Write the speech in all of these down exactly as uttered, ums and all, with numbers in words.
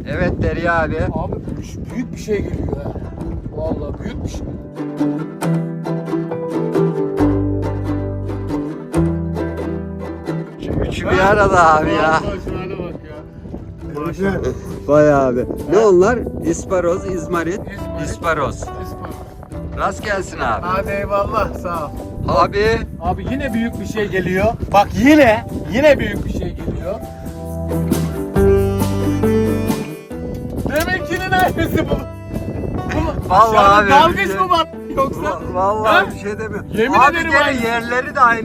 Evet Derya abi. Abi büyük bir şey geliyor ha. Vallahi büyük bir şey. Üçü bir arada abi ya. Şuna bak ya. Maşallah. Vay abi. Ne onlar? İsparoz, izmarit, İzmarit. isparoz. Rast gelsin abi. Hadi eyvallah, sağ ol. Abi. Abi yine büyük bir şey geliyor. Bak yine, yine büyük bir şey geliyor. Deminkinin aynısı bu. Bu mu? Vallahi Aşağıda abi, dalgıç bir şey- mı var yoksa? Va- Vallahi Ha? bir şey demiyorum. Yemin abi ederim gene aynı. yerleri de aynı.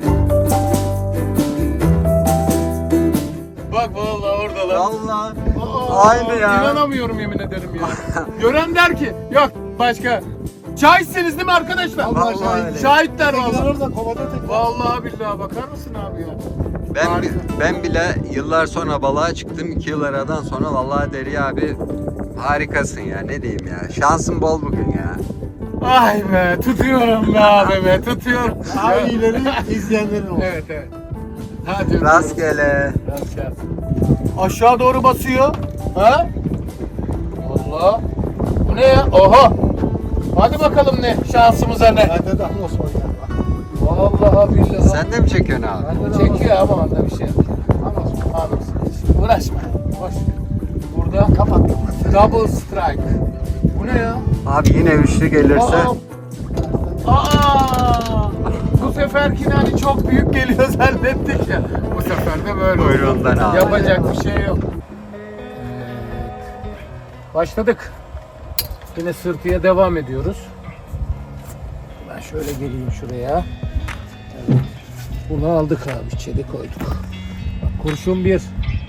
Bak vallahi oradalar. Vallahi Aa, aynı ya. İnanamıyorum yemin ederim ya. Gören der ki yok başka. Şahitsiniz değil mi arkadaşlar? Vallahi Vallahi öyle. Şahitler vallahi. Orada kovada tek. Vallahi billahi bakar mısın abi ya? Ben Harika. ben bile yıllar sonra balığa çıktım. iki yıl aradan sonra vallahi Derya abi harikasın ya. Ne diyeyim ya. Şansın bol bugün ya. Ay be tutuyorum be abi be tutuyorum. Aileleri izleyenlerin olsun. Evet evet. Hadi. Rastgele. Rastgele. Aşağı doğru basıyor. Ha? Allah. Bu ne ya? Oha. Hadi bakalım ne şansımıza ne? Bende de Ahmet Osman ya. Vallahi billahi. Sen de mi çekiyorsun abi? Bende de Çekiyor ama onda bir şey yok. Ahmet Osman. Anlasın. Uğraşma. Boş ver. Burada Kapat. double strike. Bu ne ya? Abi yine üçlü gelirse. Aa! Aa! Bu seferkine hani çok büyük geliyor zannettik ya. Bu sefer de böyle oldu. Kuyruğundan abi. Yapacak bir şey yok. Evet. Başladık. Yine sırtıya devam ediyoruz. Ben şöyle geleyim şuraya. Evet. Bunu aldık abi, içeri koyduk. Bak, kurşun bir.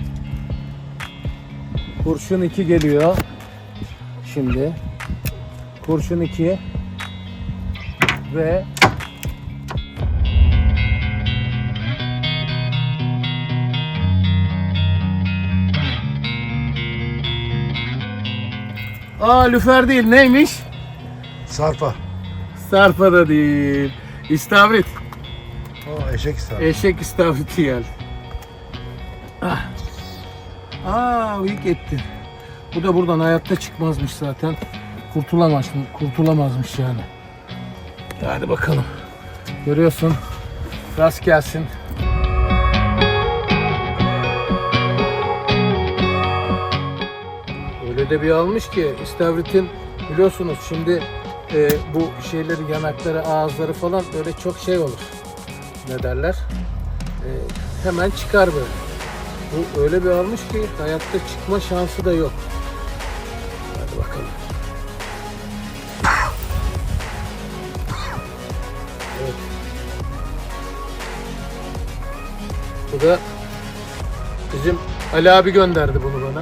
Kurşun iki geliyor. Şimdi. Kurşun iki. Ve Aa lüfer değil, neymiş? Sarpa. Sarpa da değil. İstavrit. O eşek sarpa. Eşek istavriti geldi. Ah. Aa uyuk etti. Bu da buradan hayatta çıkmazmış zaten. Kurtulamaz, kurtulamazmış yani. Hadi bakalım. Görüyorsun. Rast gelsin. Öyle de bir almış ki istavritin biliyorsunuz şimdi e, bu şeyleri yanakları ağızları falan böyle çok şey olur. Ne derler? E, hemen çıkar böyle. Bu öyle bir almış ki hayatta çıkma şansı da yok. Hadi bakalım. Evet. Bu da bizim Ali abi gönderdi bunu bana.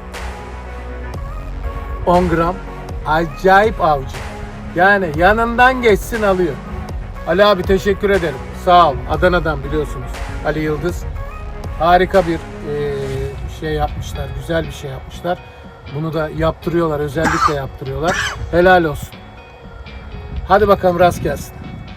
on gram. Acayip avcı. Yani yanından geçsin alıyor. Ali abi teşekkür ederim. Sağ ol. Adana'dan biliyorsunuz. Ali Yıldız. Harika bir e, şey yapmışlar. Güzel bir şey yapmışlar. Bunu da yaptırıyorlar. Özellikle yaptırıyorlar. Helal olsun. Hadi bakalım rast gelsin.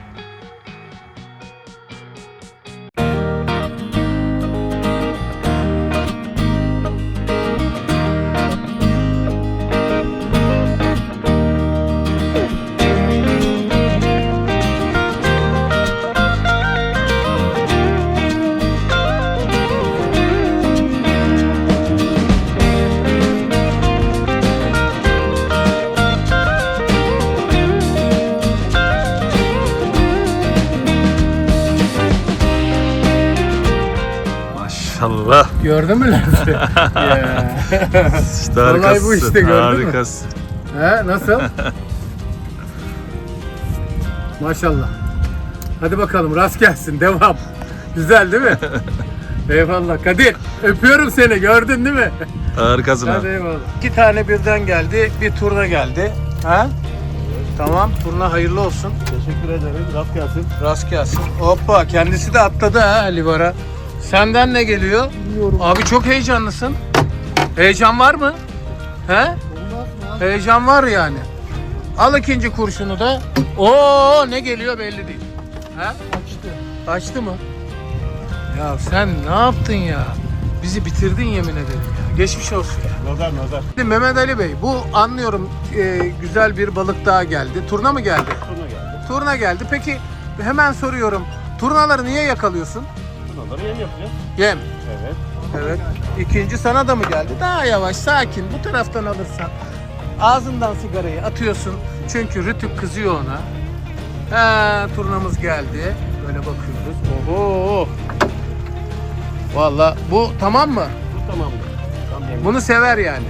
Maşallah. Gördün mü lensi? Ya. İşte Olay bu harikasın. işte, gördün mü? Harikasın. He, nasıl? Maşallah. Hadi bakalım rast gelsin. Devam. Güzel değil mi? Eyvallah. Kadir öpüyorum seni. Gördün değil mi? Harikasın Hadi abi. eyvallah. İki tane birden geldi. Bir turna geldi. Ha? Tamam. Turna hayırlı olsun. Teşekkür ederim. Rast gelsin. Rast gelsin. Hoppa. Kendisi de atladı ha Livara. Senden ne geliyor? Bilmiyorum. Abi çok heyecanlısın. Heyecan var mı? He? Olmaz mı? Heyecan var yani. Al ikinci kurşunu da. Oo ne geliyor belli değil. Ha? Açtı. Açtı mı? Ya sen ne yaptın ya? Bizi bitirdin yemin ederim ya. Geçmiş olsun ya. Nazar nazar. Şimdi Mehmet Ali Bey, bu anlıyorum e, güzel bir balık daha geldi. Turna mı geldi? Turna geldi. Turna geldi. Peki hemen soruyorum. Turnaları niye yakalıyorsun? Turnaları yem yapacağız. Yem. Evet. Evet. İkinci sana da mı geldi? Daha yavaş, sakin. Bu taraftan alırsan. Ağzından sigarayı atıyorsun. Çünkü Rütük kızıyor ona. Ha, turnamız geldi. Böyle bakıyoruz. Oho. Vallahi bu tamam mı? Bu tamamdır. Tam yem. Bunu sever yani.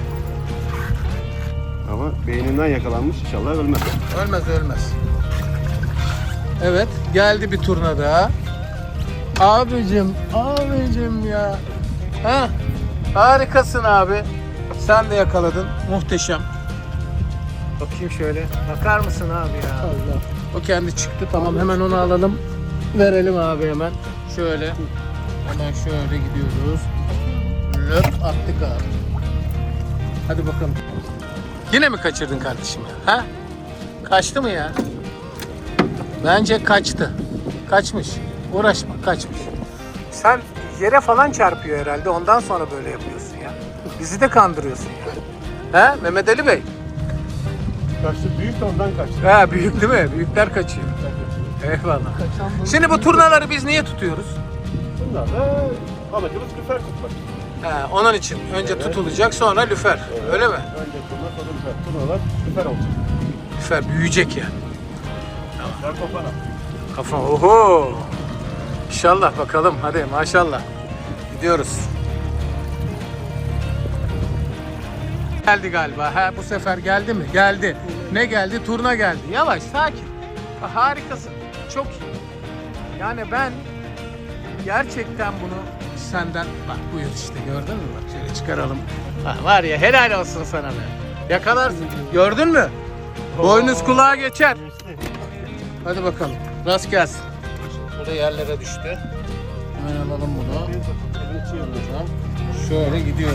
Ama beyninden yakalanmış, inşallah ölmez. Ölmez ölmez. Evet, geldi bir turna daha. Abicim, abicim ya. Ha, harikasın abi. Sen de yakaladın. Muhteşem. Bakayım şöyle. Bakar mısın abi ya? Allah. O kendi çıktı. Tamam, hemen onu alalım. Verelim abi hemen. Şöyle. Hemen şöyle gidiyoruz. Löp attık abi. Hadi bakalım. Yine mi kaçırdın kardeşim ya? Ha? Kaçtı mı ya? Bence kaçtı. Kaçmış. Uğraşma, kaçmış. Sen yere falan çarpıyor herhalde. Ondan sonra böyle yapıyorsun ya. Bizi de kandırıyorsun ya. He? Mehmet Ali Bey. Kaçtı, büyük de ondan kaçtı. Ha, büyük değil mi? Büyükler kaçıyor. Eyvallah. Şimdi bu turnaları biz niye tutuyoruz? Bunlar da amacımız lüfer tutmak. Ha, onun için. Önce Evet. tutulacak, sonra lüfer. Evet. Öyle mi? Önce turna, sonra lüfer. Turnalar lüfer olacak. Lüfer büyüyecek yani. Lüfer kopana. Kafa oho. İnşallah bakalım. Hadi maşallah. Gidiyoruz. Geldi galiba. Ha, bu sefer geldi mi? Geldi. Ne geldi? Turna geldi. Yavaş, sakin. Ha, harikasın. Çok iyi. Yani ben gerçekten bunu senden... Bak buyur işte, gördün mü? Bak şöyle çıkaralım. Ha, var ya, helal olsun sana be. Yakalarsın. Gördün mü? Boynuz kulağa geçer. Hadi bakalım. Rast gelsin. Burada yerlere düştü. Hemen alalım bunu. Buradan şöyle gidiyoruz.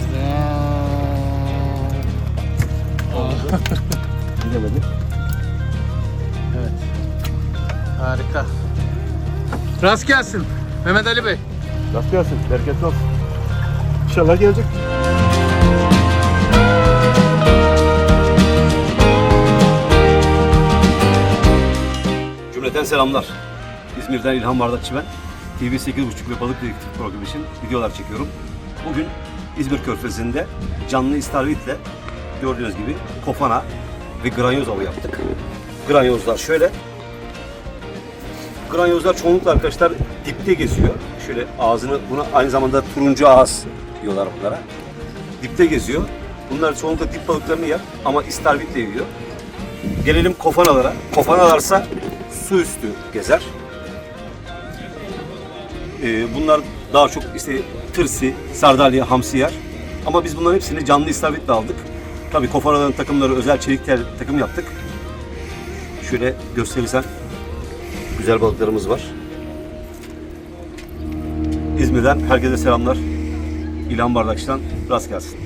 Gidemedi. Evet. Harika. Rast gelsin Mehmet Ali Bey. Rast gelsin, bereketli olsun. İnşallah gelecek. Cümleten selamlar. İzmir'den İlhan Bardakçı ben. T V sekiz buçuk ve Balık Dedektif programı için videolar çekiyorum. Bugün İzmir Körfezi'nde canlı istavritle gördüğünüz gibi kofana ve granyoz avı yaptık. Granyozlar şöyle. Granyozlar çoğunlukla arkadaşlar dipte geziyor. Şöyle ağzını, buna aynı zamanda turuncu ağız diyorlar bunlara. Dipte geziyor. Bunlar çoğunlukla dip balıklarını yer ama istavritle yiyor. Gelelim kofanalara. Kofanalarsa su üstü gezer. Ee, bunlar daha çok işte tırsi, sardalya, hamsi yer. Ama biz bunların hepsini canlı istavritle aldık. Tabii kofanaların takımları özel çelik tel takım yaptık. Şöyle gösterirsen güzel balıklarımız var. İzmir'den herkese selamlar. İlhan Bardakçı'dan rast gelsin.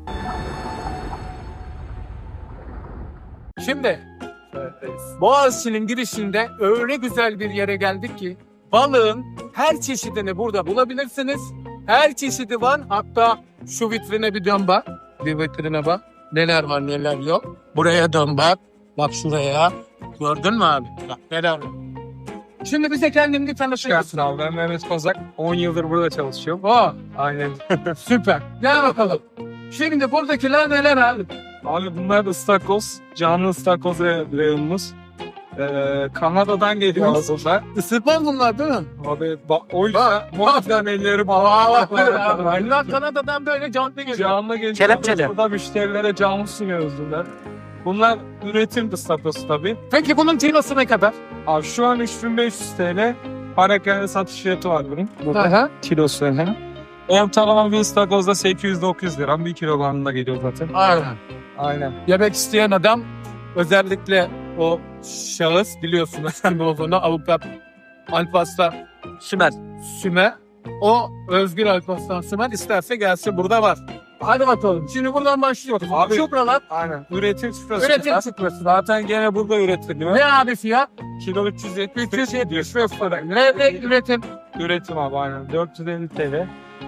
Şimdi Boğaziçi'nin girişinde öyle güzel bir yere geldik ki balığın her çeşidini burada bulabilirsiniz. Her çeşidi var. Hatta şu vitrine bir dön bak. Bir vitrine bak. Neler var neler yok. Buraya dön bak. Bak şuraya. Gördün mü abi? Bak neler var. Şimdi bize kendini tanıtır mısın abi? Ben Mehmet Kozak. on yıldır burada çalışıyorum. Oh, Aynen. süper. Gel bakalım. Şimdi buradakiler neler abi? Abi bunlar ıstakoz. Canlı ıstakoz reyonumuz. Ee, Kanada'dan geliyor aslında. Isırmaz bunlar değil mi? Abi bak o yüzden muhtemelen elleri Aa, bağlı. bunlar Kanada'dan böyle canlı geliyor. Canlı geliyor. Kelepçeli. Burada müşterilere canlı sunuyoruz bunlar. Bunlar üretim ıstakozu tabii. Peki bunun kilosu ne kadar? Abi şu an üç bin beş yüz TL. Parakende satış fiyatı var bunun. Burada Aha. kilosu hem. Ortalama bir ıstakozda sekiz yüz dokuz yüz lira. bir kilo bandında geliyor zaten. Aynen. Aynen. Yemek isteyen adam özellikle o şahıs biliyorsun sen olduğunu avukat Alparslan Sümer. Sümer. O Özgür Alparslan Sümer isterse gelsin burada var. Hadi bakalım. Şimdi buradan başlıyoruz. Abi- Abi çupralar. Aynen. Üretim sıfırası. Üretim sıfırası. Zaten gene burada üretiliyor. Ne abi fiyat? Kilo üç yüz yetmiş üç yüz yetmiş beş lira. Levrek üretim. Üretim abi aynen. dört yüz elli TL.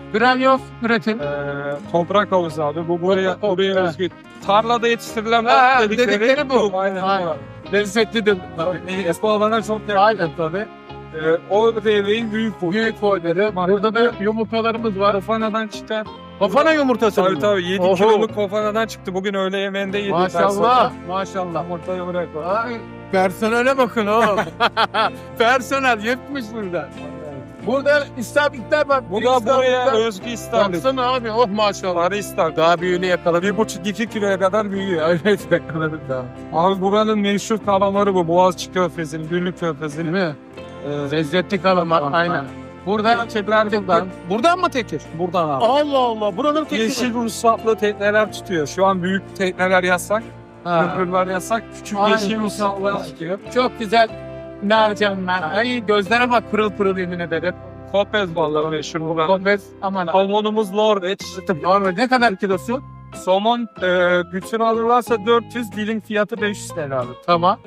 Granyoz üretim. Ee, toprak havuzu abi. Bu buraya, Toprak havuzu, buraya evet. özgü. Tarlada yetiştirilen Ha, balık dedikleri, dedikleri bu. Aynen. Aynen. Lezzetlidir. Tabii. Espo alana çok yakın. Aynen tabii. Ee, o devreyin büyük boyu. Büyük boyları. Burada da yumurtalarımız var. Kofanadan çıkan. Kafana yumurtası Tabii mı? tabii yedi Oho. kiloluk kofanadan çıktı. Bugün öğle yemeğinde yedik. Maşallah. Maşallah. Ortaya bırak. Ay, personele bakın oğlum. Personel yetmiş burada. Burada istavritler var. Bu da buraya özgü istavrit. Baksana abi oh maşallah. Sarı istavrit. Daha büyüğünü yakaladık. Bir buçuk iki kiloya kadar büyüyor. Evet yakaladık daha. Abi buranın meşhur kalamarı bu. Boğaziçi Körfezi'nin, Güllük Değil Körfezi'nin. mi? Ee, Lezzetli kalamar aynen. Burada çeklerden. Buradan mı tekir? buradan abi. Allah Allah. Buradan tekir. Yeşil ruhsatlı tekneler tutuyor. Şu an büyük tekneler yasak. Ha. Köprüler yasak. Küçük Aynen. yeşil ruhsatlılar tutuyor. Çok güzel. Mercanlar. Ay gözlere bak pırıl pırıl yemin ederim. Kopez balığı meşhur buranın. Konfes aman abi. Somonumuz Norveç. Normal ne kadar kilosu? Somon e, bütün alırlarsa dört yüz, dilim fiyatı beş yüz T L abi. Tamam.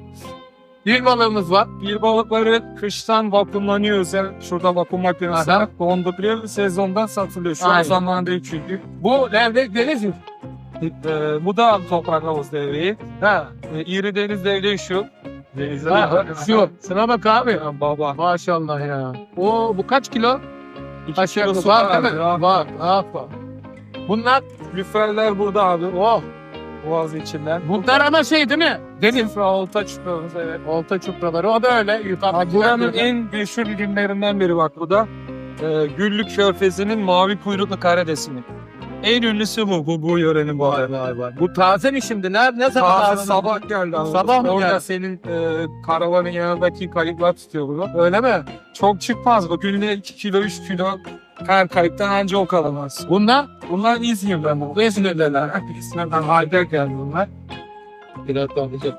Bir balığımız var. Bir balıkları kıştan vakumlanıyor özel. Şurada vakum makinesi Aha. var. Donduruyor. Sezondan satılıyor. Şu an Aynen. zamanı değil çünkü. Bu levrek deniz mi? E, bu da toprak havuz devreği. Ha. E, İri deniz devreği şu. Denizde Ha, şu. Şuna bak abi. Ya baba. Maşallah ya. O bu kaç kilo? İki Aşağı yukarı kilosu var değil mi? abi. Var. Aferin. Bunlar Lüferler burada abi. oh. Boğaz içinden. Bunlar ama şey değil mi? Deniz. Sıfır olta çıkıyoruz evet. Olta çupraları. O da öyle. Yukarıda Buranın en meşhur ürünlerinden biri bak bu da. Ee, Güllük Körfezi'nin mavi kuyruklu karidesini. En ünlüsü bu, bu, bu yörenin bu Vay arada. vay vay. Bu taze mi şimdi? Ne, ne zaman Taze taze? sabah geldi abi. Sabah mı Orada geldi? senin e, karavanın yanındaki kayıklar tutuyor bunu. Öyle mi? Çok çıkmaz bu. Günde iki kilo, üç kilo her kayıktan anca o kalamaz. Bunlar? Bunlar İzmir'den bu. İzmir'deler. İzmir'den halde geldi bunlar. Biraz daha güzel.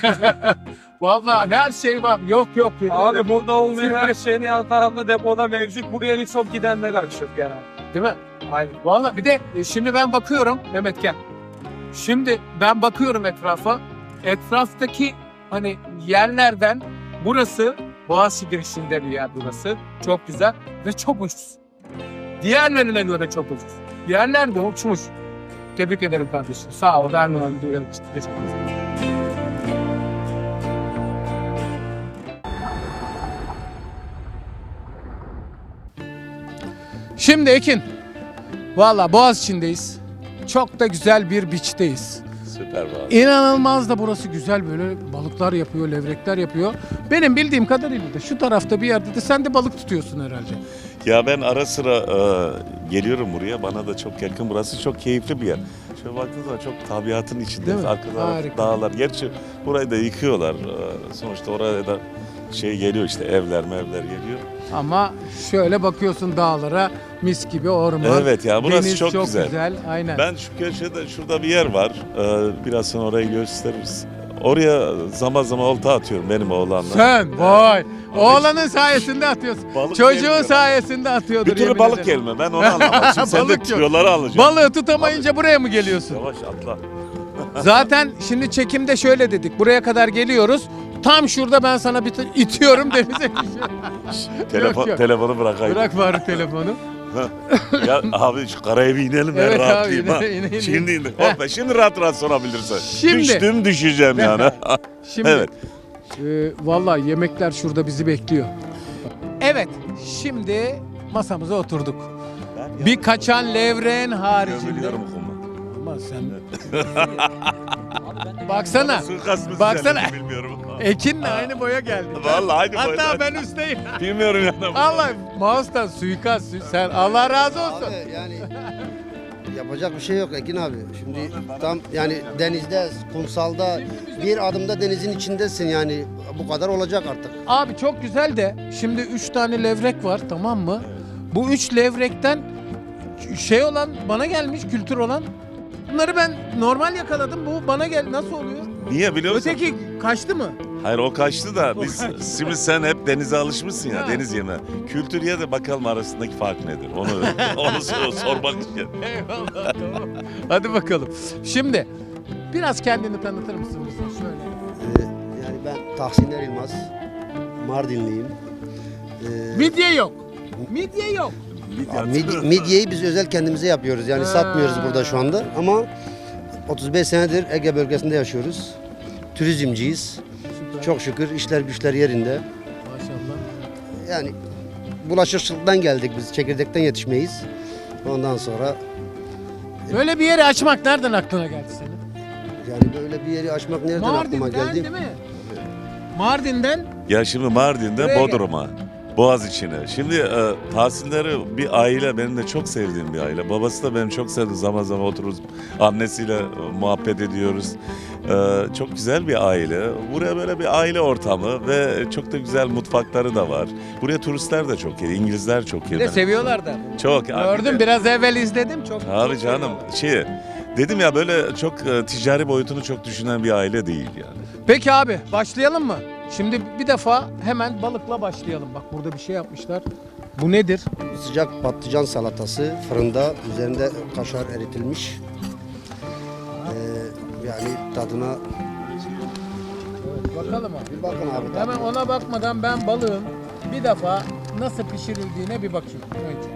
Vallahi her şey var. Yok yok. Abi burada olmayan her şeyin yan tarafta depoda mevcut. Buraya çok gidenler açıyor genel. Değil mi? Aynen. Vallahi bir de e, şimdi ben bakıyorum Mehmet gel. Şimdi ben bakıyorum etrafa. Etraftaki hani yerlerden burası Boğaziçi girişinde bir yer burası. Çok güzel ve çok ucuz. Diğerlerine göre çok ucuz. Diğerler de uçmuş. Tebrik ederim kardeşim. Sağ ol. Ben de Şimdi Ekin, valla Boğaziçi'ndeyiz. Çok da güzel bir beach'teyiz. Süper var. İnanılmaz da burası güzel böyle balıklar yapıyor, levrekler yapıyor. Benim bildiğim kadarıyla da şu tarafta bir yerde de sen de balık tutuyorsun herhalde. Ya ben ara sıra e, geliyorum buraya. Bana da çok yakın. Burası çok keyifli bir yer. Şöyle baktığınız zaman çok tabiatın Değil içindeyiz. mi? Arka taraf Harika. dağlar. Gerçi burayı da yıkıyorlar. E, sonuçta oraya da şey geliyor işte evler mevler geliyor. Ama şöyle bakıyorsun dağlara mis gibi orman. Evet ya burası Deniz çok, çok güzel. güzel. Aynen. Ben şu köşede şurada bir yer var. Ee, biraz sonra orayı gösteririz. Oraya zaman zaman olta atıyorum benim oğlanla. Sen vay. Oğlanın sayesinde atıyorsun. Balık Çocuğun gelmiyor. sayesinde atıyordur. Bir türlü yemin balık ederim. gelme ben onu anlamadım. Şimdi sen de Balık yok. tüyoları alacaksın. Balığı tutamayınca buraya mı geliyorsun? Yavaş atla. Zaten şimdi çekimde şöyle dedik. Buraya kadar geliyoruz. Tam şurada ben sana bir t- itiyorum denize. Telefon, Yok, yok. telefonu bırakayım. Bırak bari telefonu. Ya abi şu karaya bir inelim ben Evet abi, rahatlayayım ha. ine- ine- ine. Şimdi indik. Hoppa, şimdi rahat rahat sorabilirsin. Şimdi. Düştüm düşeceğim yani. Şimdi Evet. e, vallahi yemekler şurada bizi bekliyor. Evet, şimdi masamıza oturduk. Bir kaçan levreğin haricinde. Biliyorum kuma. Ama sen baksana. Suikast mı Baksana. düzenledi bilmiyorum. Ekin'le aynı boya geldi. Vallahi aynı Hatta boyda. ben üstteyim. Bilmiyorum ya. Allah mouse'dan suikast. Sen Allah razı olsun. Abi yani yapacak bir şey yok Ekin abi. Şimdi tam yani denizde, kumsalda bir adımda denizin içindesin yani bu kadar olacak artık. Abi çok güzel de şimdi üç tane levrek var tamam mı? Bu üç levrekten şey olan bana gelmiş kültür olan. Bunları ben normal yakaladım. Bu bana gel nasıl oluyor? Niye biliyor musun? Öteki kaçtı mı? Hayır o kaçtı da O biz kaçtı. şimdi sen hep denize alışmışsın ya Ha. deniz yemeği. Kültürye de bakalım arasındaki fark nedir? Onu onu sor- sormak için. Eyvallah tamam. Hadi bakalım. Şimdi biraz kendini tanıtır mısın bize şöyle? Ee, yani ben Tahsiner Yılmaz, Mardinliyim. Ee, Midye yok. Midye yok. Ya mid- midyeyi biz özel kendimize yapıyoruz. Yani satmıyoruz burada şu anda ama otuz beş senedir Ege bölgesinde yaşıyoruz. Turizmciyiz. Çok şükür işler güçler yerinde. Maşallah. Yani bulaşıcılıktan geldik biz. Çekirdekten yetişmeyiz. Ondan sonra Böyle bir yeri açmak nereden aklına geldi senin? yani böyle bir yeri açmak nereden aklıma Mardin'den geldi? değil mi? Mardin'den Ya şimdi Mardin'de Buraya gel. Bodrum'a, Boğaziçi'ne. Şimdi e, Tahsinleri bir aile, benim de çok sevdiğim bir aile. Babası da benim çok sevdiğim, zaman zaman otururuz. Annesiyle e, muhabbet ediyoruz. E, çok güzel bir aile. Buraya böyle bir aile ortamı ve çok da güzel mutfakları da var. Buraya turistler de çok geliyor, İngilizler çok bir geliyor. de seviyorlar da. Çok. Gördüm biraz evvel izledim çok. Abi çok canım seviyorlar. şey dedim ya, böyle çok e, ticari boyutunu çok düşünen bir aile değil yani. Peki abi başlayalım mı? Şimdi bir defa hemen balıkla başlayalım. Bak burada bir şey yapmışlar. Bu nedir? Sıcak patlıcan salatası fırında, üzerinde kaşar eritilmiş. Ee, yani tadına Bakalım abi. bir bakın abi. Hemen ona bakmadan ben balığın bir defa nasıl pişirildiğine bir bakayım önce.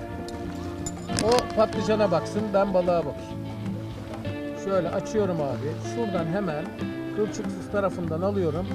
O patlıcana baksın, ben balığa bakayım. Şöyle açıyorum abi. Şuradan hemen kılçıksız tarafından alıyorum.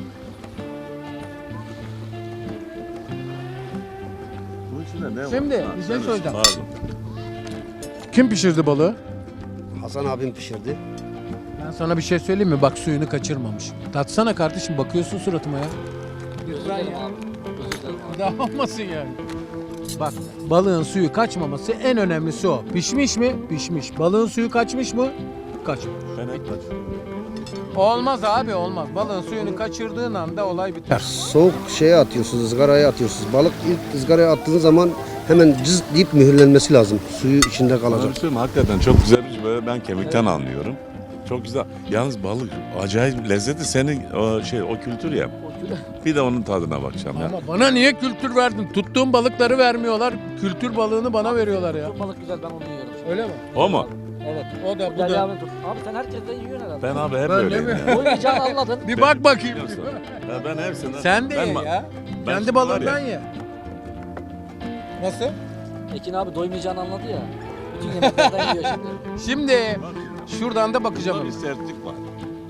Bunun içinde ne var? Şimdi, Ha, bir şey sen söyleyeceğim. pardon. Kim pişirdi balığı? Hasan abim pişirdi. Ben sana bir şey söyleyeyim mi? Bak suyunu kaçırmamış. Tatsana kardeşim, bakıyorsun suratıma ya. Güzel ya. Daha olmasın yani. Bak balığın suyu kaçmaması en önemlisi o. Pişmiş mi? Pişmiş. Balığın suyu kaçmış mı? Kaçmış. Ben hep Olmaz abi olmaz. Balığın suyunu kaçırdığın anda olay biter. Soğuk şeye atıyorsunuz, ızgaraya atıyorsunuz. Balık ilk ızgaraya attığınız zaman hemen cız deyip mühürlenmesi lazım. Suyu içinde Bana kalacak. bir şey söyleyeyim mi? Hakikaten çok güzel bir şey. Böyle ben kemikten anlıyorum. Çok güzel. Yalnız balık acayip lezzetli. Senin o şey o kültür ya. Bir de onun tadına bakacağım ya. Ama bana niye kültür verdin? Tuttuğum balıkları vermiyorlar. Kültür balığını bana veriyorlar ya. Çok balık güzel, ben onu yiyorum. Öyle mi? O mu? Evet. O da bu Gel da. abi tut. Abi sen herkesten yiyorsun herhalde. Ben abi hep Ben öyleyim de mi? ya. Doymayacağını anladın. Bir bak bakayım. Biliyorsun. Ya ben hepsinden... Sen de ben ye ma- ya. ben Kendi şimdi balığından var ya- ye. Nasıl? Ekin abi doymayacağını anladı ya. Bütün yemeklerden yiyor şimdi. Şimdi şuradan da bakacağım. Bunda bir sertlik var.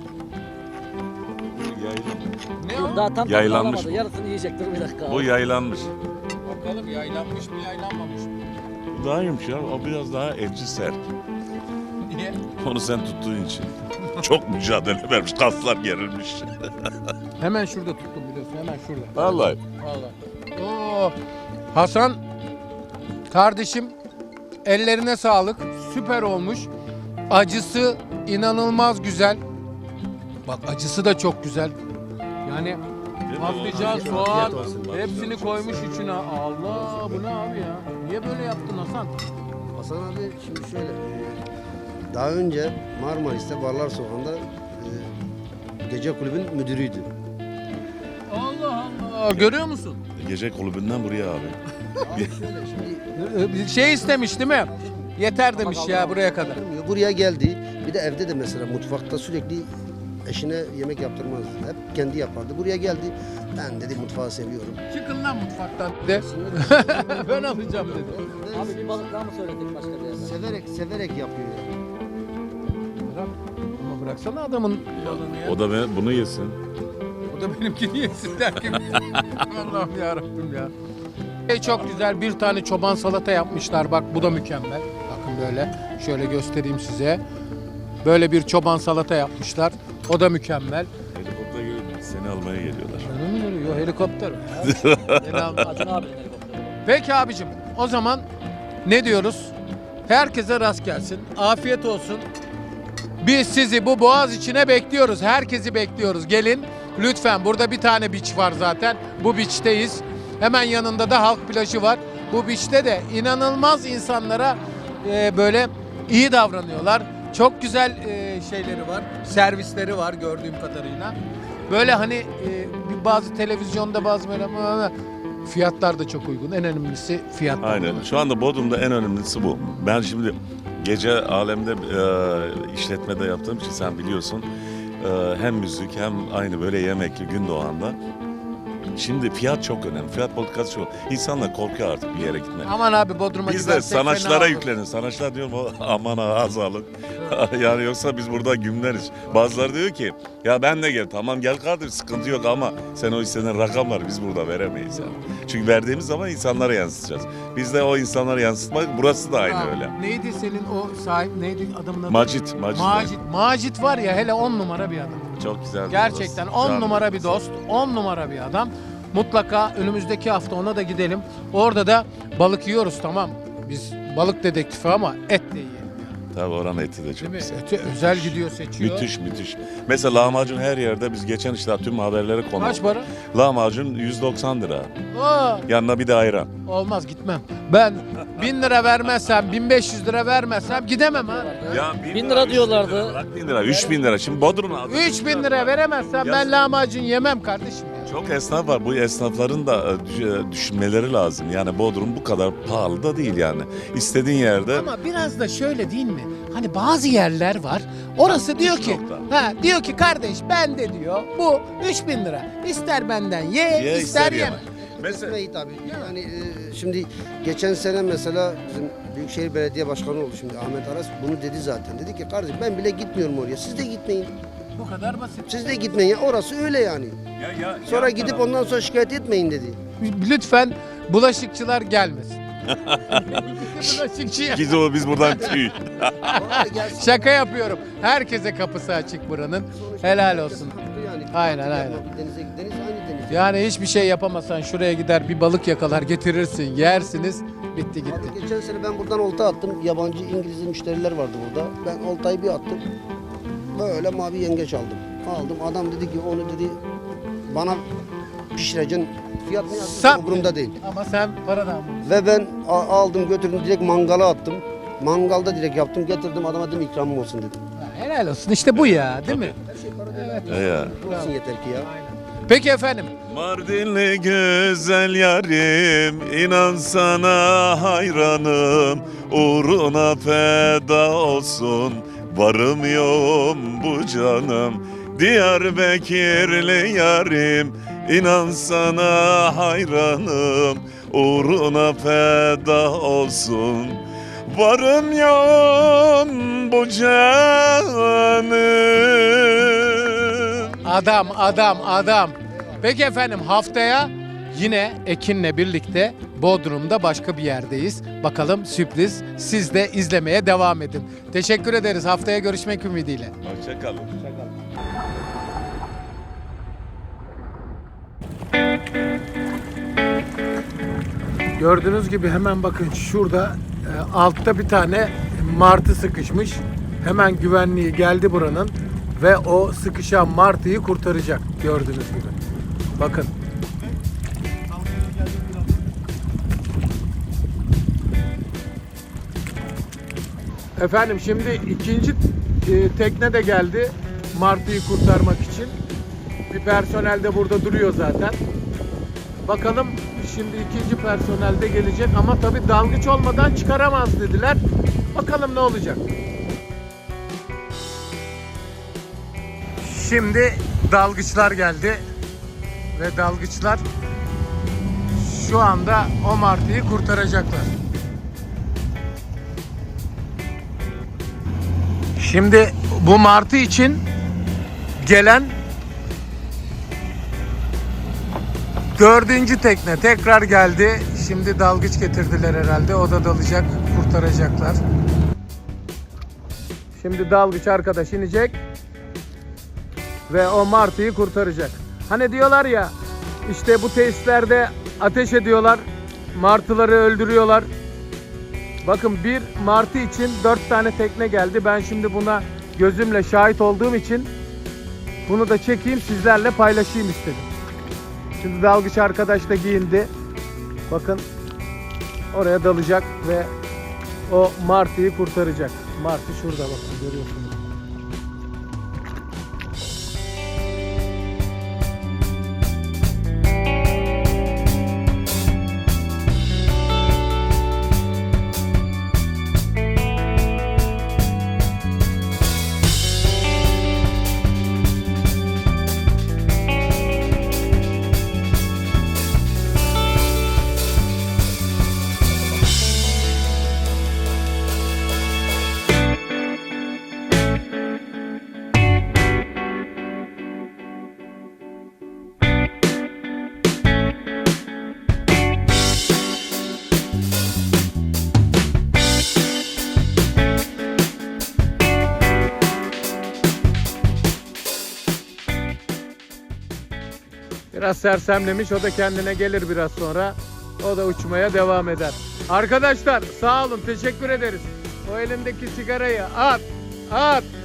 Bu yaylan- Ne Dur, o? daha tam tadını Yaylanmış alamadı. bu. Yarısını yiyecek. Dur bir dakika abi. Bu yaylanmış. Bakalım yaylanmış mı yaylanmamış mı? Bu daha iyiymiş ya. O biraz daha etçi sert. Niye? Onu sen tuttuğun için. Çok mücadele vermiş. Kaslar gerilmiş. Hemen şurada tuttum biliyorsun hemen şurada. Vallahi. Vallahi. Oo. Hasan kardeşim ellerine sağlık. Süper olmuş. Acısı inanılmaz güzel. Bak acısı da çok güzel. Yani patlıcan, soğan Afiyet olsun. hepsini koymuş içine. Allah bu ne abi ya? Niye böyle yaptın Hasan? Hasan abi şimdi şöyle. e, Daha önce Marmaris'te Barlar Sokağı'nda e, gece kulübün müdürüydü. Allah Allah. Görüyor musun? Gece kulübünden buraya abi. Abi şöyle şimdi Bir şey istemiş değil mi? Yeter demiş ya buraya kadar. yaptırmıyor. Buraya geldi. Bir de evde de mesela mutfakta sürekli eşine yemek yaptırmazdı. Hep kendi yapardı. Buraya geldi. Ben dedi mutfağı seviyorum. Çıkın lan mutfaktan de. Ben alacağım dedi. Abi bir balık daha mı söyledik başka bir yerden? Severek severek yapıyor. Bırak. Ama bıraksana adamın balığını ya. O da ben, bunu yesin. O da benimkini yesin derken. Allah'ım yarabbim ya. Şey çok güzel bir tane çoban salata yapmışlar. Bak bu da mükemmel. Bakın böyle. Şöyle göstereyim size. Böyle bir çoban salata yapmışlar. O da mükemmel. Helikopter gelip seni almaya geliyorlar. Bana mı geliyor? Helikopter. Beni alma. Acun abinin helikopteri. Peki abicim o zaman ne diyoruz? Herkese rast gelsin. Afiyet olsun. Biz sizi bu boğaz içine bekliyoruz. Herkesi bekliyoruz. Gelin lütfen. Burada bir tane beach var zaten. Bu beach'teyiz. Hemen yanında da halk plajı var. Bu beach'te de inanılmaz insanlara e, böyle iyi davranıyorlar. Çok güzel e, şeyleri var. Servisleri var gördüğüm kadarıyla. Böyle hani e, bir bazı televizyonda bazı böyle fiyatlar da çok uygun. En önemlisi fiyatlar. Aynen. Şu anda Bodrum'da en önemlisi bu. Ben şimdi gece alemde e, işletmede yaptığım için sen biliyorsun. E, hem müzik hem aynı böyle yemekli gün doğanda. Şimdi fiyat çok önemli. Fiyat politikası çok. İnsanlar korkuyor artık bir yere gitmeye. Aman abi Bodrum'a Biz de gidersek fena sanatçılara olur. yüklenir. Sanatçılar diyorum o aman ha az alın. Yani yoksa biz burada gümleriz. Bazıları diyor ki ya ben de gel. Tamam gel kardeşim sıkıntı yok ama sen o istenen rakamları biz burada veremeyiz yani. Çünkü verdiğimiz zaman insanlara yansıtacağız. Biz de o insanlara yansıtmak burası da aynı Ha, öyle. Neydi senin o sahip neydi adamın adı? Macit, Macit. Macit. Macit var ya hele on numara bir adam. Çok güzel. bir Gerçekten dost. on Canım. numara bir dost, on numara bir adam. Mutlaka önümüzdeki hafta ona da gidelim. Orada da balık yiyoruz tamam. Biz balık dedektifi ama et de yiyelim. Tabii oranın eti de Değil çok mi? güzel. Eti özel gidiyor seçiyor. Müthiş müthiş. Mesela lahmacun her yerde biz geçen işte tüm haberlere konu. Kaç para? Lahmacun yüz doksan lira. Aa, Yanına bir de ayran. olmaz gitmem. Ben bin lira vermezsem, bin beş yüz lira vermezsem gidemem ha. Ya Bin lira üç diyorlardı. lira, bırak bin lira, üç bin lira. Şimdi Bodrum'a üç bin lira veremezsem Ya- ben lahmacun yemem kardeşim ya. Çok esnaf var. Bu esnafların da e, düş- düşünmeleri lazım. Yani Bodrum bu kadar pahalı da değil yani. İstediğin yerde Ama biraz da şöyle değil mi? Hani bazı yerler var. Orası diyor ki, nokta. ha diyor ki kardeş ben de diyor bu üç bin lira. İster benden ye, Ye, ister ister yeme. yeme. Mesela Mesela tabii. Yani e, şimdi geçen sene mesela bizim Büyükşehir Belediye Başkanı oldu şimdi Ahmet Aras bunu dedi zaten. Dedi ki kardeşim ben bile gitmiyorum oraya. Siz de gitmeyin. Bu kadar basit. Siz de gitmeyin. Ya orası öyle yani. ya, ya, Sonra yan gidip taraf- ondan sonra şikayet etmeyin dedi. Lütfen bulaşıkçılar gelmesin. Bulaşıkçı Biz o biz buradan tüy. Oraya gelsin. şaka yapıyorum. Herkese kapısı açık buranın. Helal olsun. Yani. Aynen, aynen. Denize deniz aynı deniz. Yani hiçbir şey yapamasan şuraya gider bir balık yakalar getirirsin yersiniz bitti gitti. Abi geçen sene ben buradan olta attım. Yabancı İngiliz müşteriler vardı burada. Ben oltayı bir attım. Böyle mavi yengeç aldım. Aldım. Adam dedi ki onu dedi bana pişireceksin. Fiyat ne yazdı? Sen- Umurumda değil. Ama sen para da almadın. Ve ben a- aldım götürdüm direkt mangala attım. Mangalda direkt yaptım getirdim adama dedim ikramım olsun dedim. Helal olsun işte bu ya değil mi? Her şey para değil. Evet. Ya. Olsun yeter ki ya. Peki efendim. Mardinli güzel yarim, inan sana hayranım, uğruna feda olsun, varım yoğum bu canım. Diyarbakırlı yarim, inan sana hayranım, uğruna feda olsun, varım yoğum bu canım. Adam, adam, adam. Peki efendim haftaya yine Ekin'le birlikte Bodrum'da başka bir yerdeyiz. Bakalım sürpriz. Siz de izlemeye devam edin. Teşekkür ederiz. Haftaya görüşmek ümidiyle. Hoşçakalın. Gördüğünüz gibi hemen bakın şurada e, altta bir tane martı sıkışmış. Hemen güvenliği geldi buranın ve o sıkışan martıyı kurtaracak gördüğünüz gibi. Bakın. Efendim şimdi ikinci e, tekne de geldi martıyı kurtarmak için. Bir personel de burada duruyor zaten. Bakalım şimdi ikinci personel de gelecek ama tabii dalgıç olmadan çıkaramaz dediler. Bakalım ne olacak. Şimdi dalgıçlar geldi ve dalgıçlar şu anda o martıyı kurtaracaklar. Şimdi bu martı için gelen dördüncü tekne tekrar geldi. Şimdi dalgıç getirdiler herhalde. O da dalacak, kurtaracaklar. Şimdi dalgıç arkadaş inecek ve o martıyı kurtaracak. Hani diyorlar ya işte bu tesislerde ateş ediyorlar, martıları öldürüyorlar. Bakın bir martı için dört tane tekne geldi. Ben şimdi buna gözümle şahit olduğum için bunu da çekeyim sizlerle paylaşayım istedim. Şimdi dalgıç arkadaş da giyindi. Bakın oraya dalacak ve o martıyı kurtaracak. Martı şurada bakın görüyorsunuz. Biraz sersemlemiş, o da kendine gelir biraz sonra. O da uçmaya devam eder. Arkadaşlar sağ olun, teşekkür ederiz. O elindeki sigarayı at, at.